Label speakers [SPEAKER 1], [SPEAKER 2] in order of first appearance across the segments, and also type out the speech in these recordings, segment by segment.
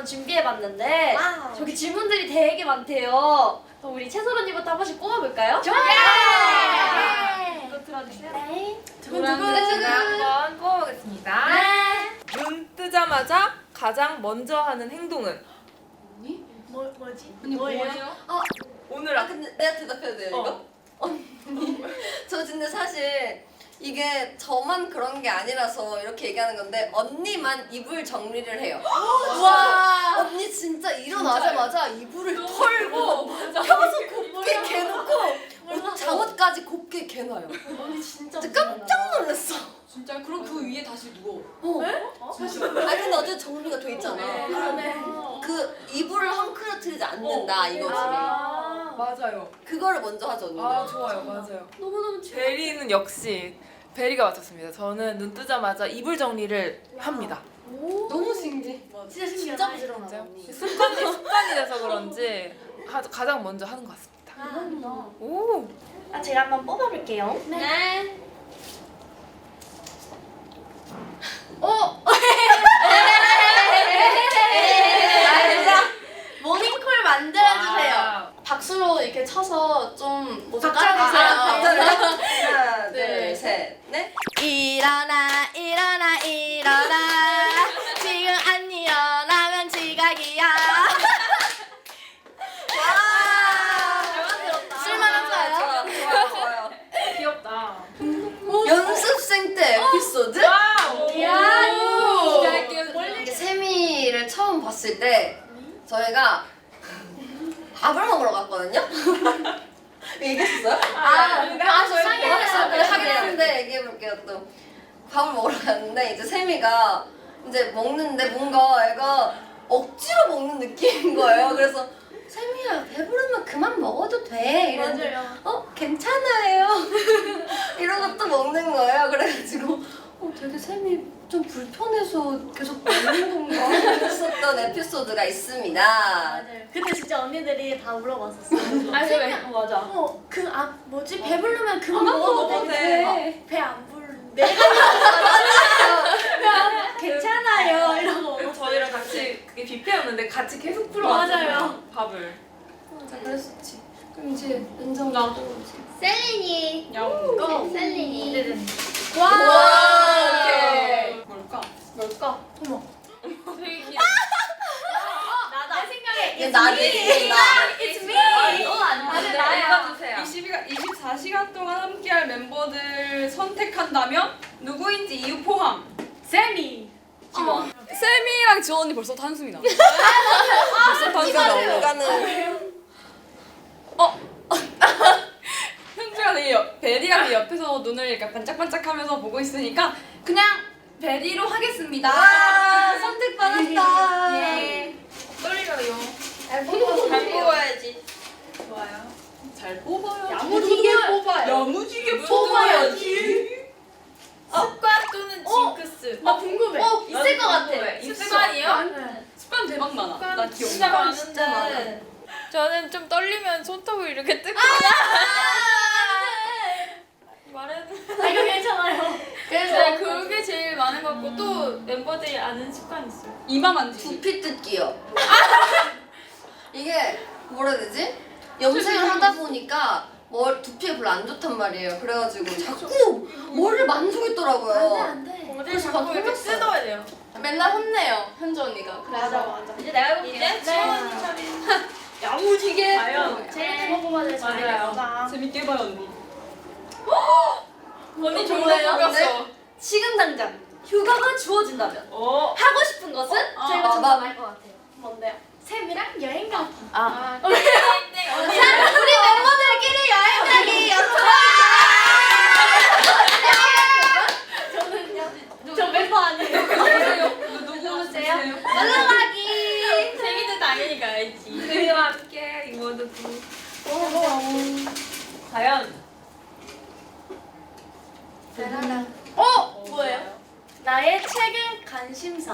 [SPEAKER 1] 준비해봤는데
[SPEAKER 2] 와우.
[SPEAKER 1] 저기 질문들이 되게 많대요. 그럼 우리 채솔 언니부터 한 번씩 뽑아볼까요?
[SPEAKER 2] 좋아요.
[SPEAKER 1] 이거 들어주세요.
[SPEAKER 2] 네.
[SPEAKER 3] 두근두근 한번 뽑아보겠습니다.
[SPEAKER 1] 네.
[SPEAKER 3] 눈 뜨자마자 가장 먼저 하는 행동은?
[SPEAKER 2] 뭐지?
[SPEAKER 1] 뭐예요?
[SPEAKER 3] 오늘
[SPEAKER 4] 근데 내가 대답해야 돼요 이거? 저 근데 사실 이게 저만 그런 게 아니라서 이렇게 얘기하는 건데 언니만 이불 정리를 해요. 와 언니 진짜 일어나자마자 이불을 털고 펴서 곱게 개놓고 잠옷까지 곱게 개놔요.
[SPEAKER 1] 언니 진짜
[SPEAKER 4] 깜짝 놀랐어.
[SPEAKER 5] 진짜 그럼 그 위에 다시 누워.
[SPEAKER 4] 아니 근데 어쨌든 정리가 돼 있잖아.
[SPEAKER 1] 그러네.
[SPEAKER 4] 그 이불을 헝클어뜨리지 않는다 이거지.
[SPEAKER 3] 맞아요.
[SPEAKER 4] 그거를 먼저 하죠 언니는.
[SPEAKER 3] 아 좋아요, 맞아요.
[SPEAKER 1] 너무너무
[SPEAKER 3] 베리는 역시 베리가 맞췄습니다. 저는 눈 뜨자마자 이불 정리를 합니다.
[SPEAKER 4] 너무 신기해.
[SPEAKER 1] 진짜 신기하다.
[SPEAKER 3] 진짜요? 습관이 돼서 그런지 가장 먼저 하는 것 같습니다.
[SPEAKER 1] 대박이다.
[SPEAKER 3] 오.
[SPEAKER 2] 제가 한번 뽑아볼게요.
[SPEAKER 1] 네.
[SPEAKER 2] 모닝콜 만들어주세요.
[SPEAKER 3] 와.
[SPEAKER 2] 박수로 이렇게 쳐서 좀 모습
[SPEAKER 1] 박자를
[SPEAKER 2] 깔아주세요.
[SPEAKER 4] 하나,
[SPEAKER 2] 네.
[SPEAKER 4] 둘, 셋, 넷. 일어나, 일어나, 일어나. 지금 안 일어나면 지각이야. 와. 쓸만한가요? 좋아요.
[SPEAKER 3] 귀엽다.
[SPEAKER 4] 연습생 때 에피소드?
[SPEAKER 3] 와우.
[SPEAKER 4] 이게 세미를 처음 봤을 때 저희가 밥을 먹으러 갔거든요? 얘기했었어요? 하긴 했는데 얘기해볼게요 또. 밥을 먹으러 갔는데 이제 세미가 이제 먹는데 뭔가 애가 억지로 먹는 느낌인 거예요. 그래서 세미야 배부르면 그만 먹어도 돼 이랬는데 괜찮아요 이러고 또 먹는 거예요. 그래가지고 되게 셈이 좀 불편해서 계속 먹는 건가 했었던 에피소드가 있습니다.
[SPEAKER 2] 맞아요. 근데 진짜 언니들이 다 물어봤었어요.
[SPEAKER 1] 아니 왜? 맞아.
[SPEAKER 2] 뭐지? 배부르면 그만 먹어도 돼. 배 안 부르는데. 괜찮아요. 이러고.
[SPEAKER 3] 저희랑 같이 그게 뷔페였는데 같이 계속
[SPEAKER 2] 맞아요.
[SPEAKER 3] 밥을.
[SPEAKER 4] 맞아 그랬었지. 그럼 이제 은정가
[SPEAKER 2] 셀린이.
[SPEAKER 5] 야옹.
[SPEAKER 2] 셀린이.
[SPEAKER 1] 네네.
[SPEAKER 4] 와 오케이.
[SPEAKER 5] 뭘까?
[SPEAKER 1] 뭘까?
[SPEAKER 3] 되게 귀여워.
[SPEAKER 2] 내 생각에
[SPEAKER 4] 이게 나지 나.
[SPEAKER 2] It's me.
[SPEAKER 1] 이거 아니야.
[SPEAKER 3] 나야. 읽어주세요.
[SPEAKER 5] 24시간 동안 함께할 멤버들 선택한다면 누구인지 이유 포함.
[SPEAKER 2] 세미.
[SPEAKER 1] 지원.
[SPEAKER 5] 쌤이랑 지원 언니 벌써 한숨이 나. 벌써 한숨이 나오고.
[SPEAKER 4] 이거는
[SPEAKER 5] 현주가 되게 베리가 되게 옆에서 눈을 이렇게 반짝반짝하면서 보고 있으니까 그냥 베리로 하겠습니다.
[SPEAKER 4] 와 선택받았다.
[SPEAKER 5] 예.
[SPEAKER 3] 떨리려요.
[SPEAKER 4] 잘 뽑아야지.
[SPEAKER 3] 좋아요.
[SPEAKER 5] 잘 뽑아요.
[SPEAKER 2] 야무지게 뽑아요.
[SPEAKER 5] 야무지게
[SPEAKER 2] 뽑아야지.
[SPEAKER 3] 습관 또는 징크스.
[SPEAKER 2] 나 궁금해.
[SPEAKER 1] 있을 것 같아.
[SPEAKER 3] 습관이요?
[SPEAKER 5] 습관 대박 많아. 나 기억나.
[SPEAKER 3] 진짜 많은데.
[SPEAKER 4] 진짜 많아.
[SPEAKER 3] 저는 좀 떨리면 손톱을 이렇게 뜯고 말했는데
[SPEAKER 2] 이거 괜찮아요.
[SPEAKER 3] 그래서 그게 제일 많은 것 같고 또 멤버들이 아는 습관이 있어요.
[SPEAKER 5] 이마 만지기.
[SPEAKER 4] 두피 뜯기요. 이게 뭐라 해야 되지? 염색을 하다 보니까 두피에 별로 안 좋단 말이에요. 그래가지고 자꾸 머리를 만지겠더라고요.
[SPEAKER 2] 안돼.
[SPEAKER 3] 어딜 자꾸 이렇게 뜯어야 돼요.
[SPEAKER 2] 맨날 혼내요 현주 언니가. 그래서
[SPEAKER 1] 이제 내가 해볼게.
[SPEAKER 3] 이제 지원이 차례.
[SPEAKER 5] 야무지게.
[SPEAKER 3] 과연
[SPEAKER 2] 제일 두 뽑아야
[SPEAKER 3] 맞아요.
[SPEAKER 5] 재밌게 해봐요 언니.
[SPEAKER 3] 언니 좋은
[SPEAKER 1] 뭐예요?
[SPEAKER 3] 거 뽑았어.
[SPEAKER 1] 지금 당장 휴가가 주어진다면
[SPEAKER 3] 어.
[SPEAKER 1] 하고 싶은 것은?
[SPEAKER 2] 제가 좀
[SPEAKER 4] 나-
[SPEAKER 2] 알것 같아요. 뭔데요? 샘이랑 여행 가기.
[SPEAKER 3] 아.
[SPEAKER 1] 우리 멤버들끼리 여행 가기.
[SPEAKER 2] 저 멤버 아니에요.
[SPEAKER 3] 누구세요?
[SPEAKER 1] 놀러 가기.
[SPEAKER 3] 생일도 당연히 가야지. 세미와 함께 이모도 과연
[SPEAKER 2] 뭐예요? 나의 최근 관심사.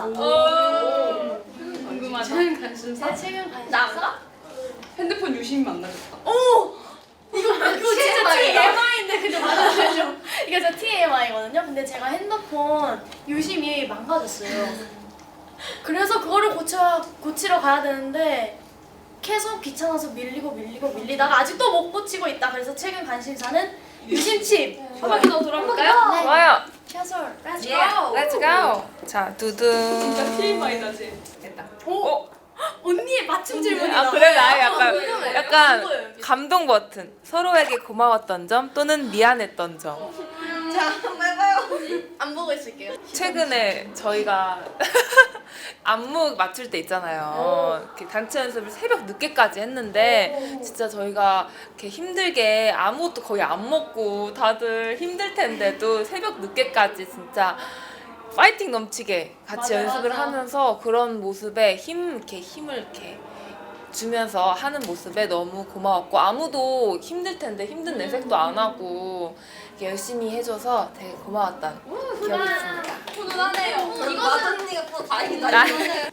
[SPEAKER 3] 궁금하다.
[SPEAKER 5] 최근 관심사.
[SPEAKER 2] 내 최근 관심사?
[SPEAKER 5] 핸드폰 유심히 만나겠다.
[SPEAKER 2] 이거 진짜 TMI인데 근데 맞아요. 이거 진짜 TMI거든요. 근데 제가 핸드폰 유심히 망가졌어요. 그래서 그거를 고치러 가야 되는데 계속 귀찮아서 밀리다가 아직도 못 고치고 있다. 그래서 최근 관심사는 유심칩.
[SPEAKER 1] 한 바퀴 더 돌아볼까요?
[SPEAKER 2] 네.
[SPEAKER 3] 좋아요.
[SPEAKER 2] 캐설, let's
[SPEAKER 1] 예.
[SPEAKER 2] go.
[SPEAKER 3] Let's go. 자, 두둥.
[SPEAKER 5] 진짜 TMI다지.
[SPEAKER 3] 됐다.
[SPEAKER 2] 오, 언니의 맞춤 질문이다.
[SPEAKER 3] 아, 그래 나
[SPEAKER 2] 궁금해.
[SPEAKER 3] 약간
[SPEAKER 2] 궁금해요.
[SPEAKER 3] 감동 버튼. 서로에게 고마웠던 점 또는 미안했던 점.
[SPEAKER 4] 자, 한번 해봐요.
[SPEAKER 2] 안 보고 있을게요.
[SPEAKER 3] 최근에 저희가 안무 맞출 때 있잖아요. 이렇게 단체 연습을 새벽 늦게까지 했는데 진짜 저희가 이렇게 힘들게 아무것도 거의 안 먹고 다들 힘들 텐데도 새벽 늦게까지 진짜 파이팅 넘치게 같이
[SPEAKER 1] 맞아요,
[SPEAKER 3] 연습을
[SPEAKER 1] 맞아.
[SPEAKER 3] 하면서 그런 모습에 힘을 이렇게 주면서 하는 모습에 너무 고마웠고 아무도 힘들 텐데 힘든 내색도 안 하고 이렇게 열심히 해줘서 되게 고마웠던 기억이 있습니다.
[SPEAKER 5] 훈훈하네요.
[SPEAKER 4] 나도 언니가 또 다행이다.
[SPEAKER 3] 나-
[SPEAKER 4] 이거는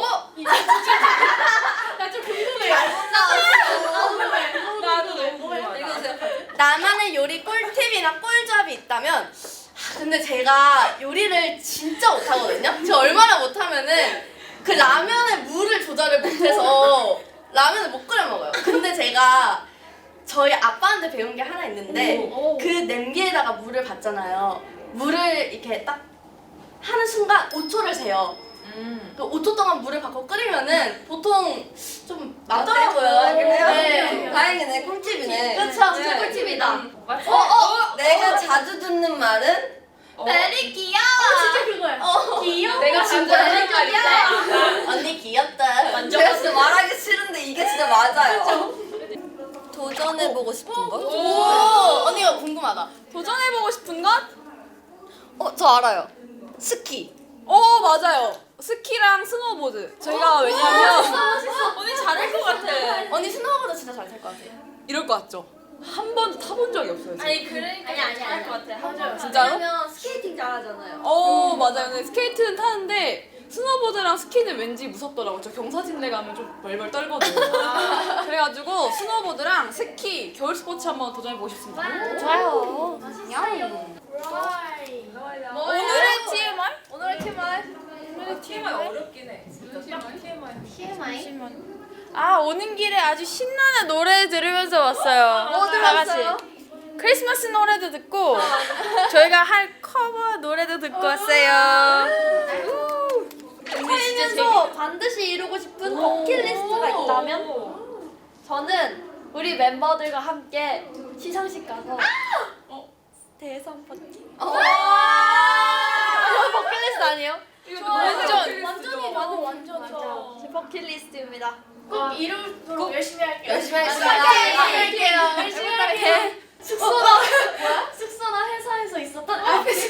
[SPEAKER 2] 나좀 궁금해.
[SPEAKER 5] 나도 너무 궁금하다.
[SPEAKER 4] 이거 생각하세요.
[SPEAKER 2] 나만의 요리 꿀팁이나 꿀잡이 있다면 근데 제가 요리를 진짜 못하거든요. 저 얼마나 못하면은 그 라면에 물을 조절을 못해서 라면을 못 끓여 먹어요. 근데 제가 저희 아빠한테 배운 게 하나 있는데 그 냄비에다가 물을 받잖아요. 물을 이렇게 딱 하는 순간 5초를 세요. 그 5초 동안 물을 받고 끓이면은 보통 좀 맞더라고요. 네.
[SPEAKER 4] 다행이네. 꿀팁이네.
[SPEAKER 2] 그렇죠. 진짜 꿀팁이다.
[SPEAKER 4] 내가 자주 듣는 말은
[SPEAKER 2] 베리 귀여워. 진짜 그거야. 귀여워.
[SPEAKER 5] 내가 진짜 하는 말 있다.
[SPEAKER 2] 언니 귀엽다.
[SPEAKER 4] 제가 진짜 말하기 싫은데 이게 진짜 맞아요. 도전해보고 싶은 거?
[SPEAKER 2] 오. 언니가 궁금하다.
[SPEAKER 5] 도전해보고 싶은 것?
[SPEAKER 4] 저 알아요. 스키.
[SPEAKER 5] 맞아요. 스키랑 스노보드. 저희가 왜냐면 언니 잘할 것 같아.
[SPEAKER 2] 언니 스노우보드 진짜 잘 탈 것 같아.
[SPEAKER 5] 이럴 것 같죠? 한 번도 타본 적이 없어요. 지금.
[SPEAKER 1] 그러니까 잘할 것 같아.
[SPEAKER 2] 맞아요.
[SPEAKER 5] 진짜로?
[SPEAKER 1] 왜냐면 스케이팅 잘하잖아요.
[SPEAKER 5] 맞아요. 근데 스케이트는 타는데 스노보드랑 스키는 왠지 무섭더라고요. 저 경사진대 가면 좀 벌벌 떨거든요. 그래가지고 스노보드랑 스키, 겨울 스포츠 한번 도전해보고 싶습니다.
[SPEAKER 2] 좋아요.
[SPEAKER 5] 오늘의 TMI?
[SPEAKER 1] 오늘의 TMI.
[SPEAKER 3] 오늘 TMI 어렵긴 해. 진짜 딱 TMI.
[SPEAKER 6] 오는 길에 아주 신나는 노래 들으면서 왔어요.
[SPEAKER 1] 뭐 들었어요?
[SPEAKER 6] 크리스마스 노래도 듣고 저희가 할 커버 노래도 듣고 왔어요.
[SPEAKER 1] 살면서 반드시 이루고 싶은 버킷리스트가 있다면 저는 우리 멤버들과 함께 시상식 가서 대상 받기. 이거 버킷리스트 아니에요?
[SPEAKER 2] 완전.
[SPEAKER 1] 제 버킷리스트입니다.
[SPEAKER 2] 꼭 이루도록 열심히 할게요.
[SPEAKER 4] 열심히 하겠습니다.
[SPEAKER 2] 열심히 할게요. 숙소나 회사에서 있었던 에피소드.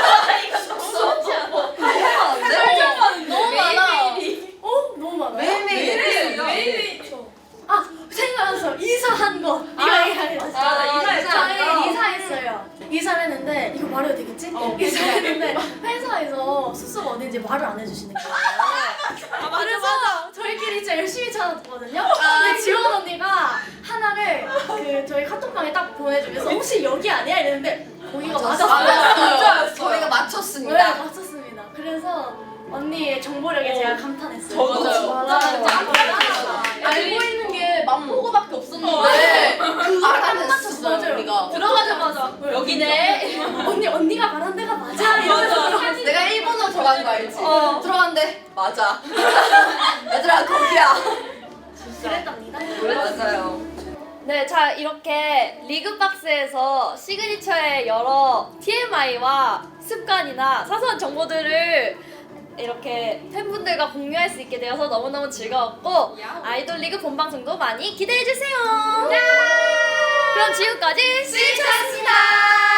[SPEAKER 2] 너무 많아. 너무 많아.
[SPEAKER 4] 매일매일.
[SPEAKER 2] 생각났어. 이사한 거. 이거 얘기하겠다. 저희 이사했어요. 이사를 했는데 이거 말해도 되겠지? 이사를 했는데 회사에서 숙소가 어딘지 말을 안 해주시는 거예요. 그래서 저희끼리 진짜 열심히 찾았거든요. 근데 지원 언니가 하나를 그 저희 카톡방에 딱 보내주면서 혹시 여기 아니야? 이랬는데 거기가 맞았어요.
[SPEAKER 4] 저희가
[SPEAKER 2] 네,
[SPEAKER 4] 맞췄습니다.
[SPEAKER 2] 맞췄습니다. 그래서 언니의 정보력에 제가 감탄했어요.
[SPEAKER 5] 저도요.
[SPEAKER 2] 맞아요. 알고 있는 게 마포구밖에 없었는데 그걸 딱 맞췄어요.
[SPEAKER 4] 맞아요.
[SPEAKER 2] 우리가
[SPEAKER 1] 들어가자마자
[SPEAKER 2] 여기네. 언니가 말한 데가 맞아. 이러면서
[SPEAKER 4] 내가 일본어 들어간 거 알지? 들어갔는데 맞아. 얘들아 거기야.
[SPEAKER 2] 그랬답니다.
[SPEAKER 4] 맞아요.
[SPEAKER 1] 네, 자 이렇게 리그박스에서 시그니처의 여러 TMI와 습관이나 사소한 정보들을 이렇게 팬분들과 공유할 수 있게 되어서 너무너무 즐거웠고 아이돌 리그 본방송도 많이 기대해주세요. 그럼 지금까지 스위치였습니다.